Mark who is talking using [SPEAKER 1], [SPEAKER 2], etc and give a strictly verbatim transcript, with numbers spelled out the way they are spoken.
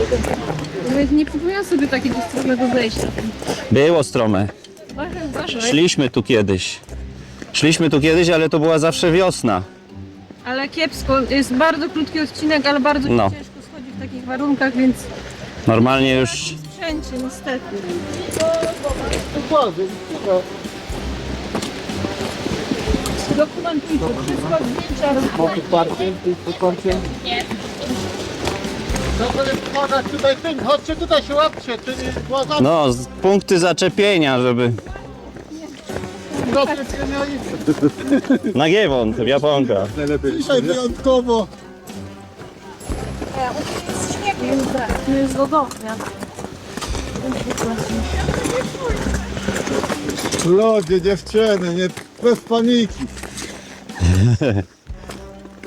[SPEAKER 1] Nawet nie przypominam sobie takiego stromego zejścia.
[SPEAKER 2] Było strome.
[SPEAKER 1] Uważaj, uważaj.
[SPEAKER 2] Szliśmy tu kiedyś. Szliśmy tu kiedyś, ale to była zawsze wiosna.
[SPEAKER 1] Ale kiepsko, jest bardzo krótki odcinek, ale bardzo
[SPEAKER 2] No.
[SPEAKER 1] ciężko schodzi w takich warunkach, więc
[SPEAKER 2] Normalnie już
[SPEAKER 1] sprzęcie niestety. Dokumentujcie wszystko, zdjęcia,
[SPEAKER 3] Parkiem, parkiem. Można tutaj tym, chodźcie tutaj się łapcie, czyli błaga
[SPEAKER 2] no, z- punkty zaczepienia, żeby...
[SPEAKER 3] do przeciwnia i
[SPEAKER 2] Nagiewon, Japonka.
[SPEAKER 3] dzisiaj wyjątkowo.
[SPEAKER 1] to jest lodownia.
[SPEAKER 3] Ludzie, dziewczyny, nie, bez paniki.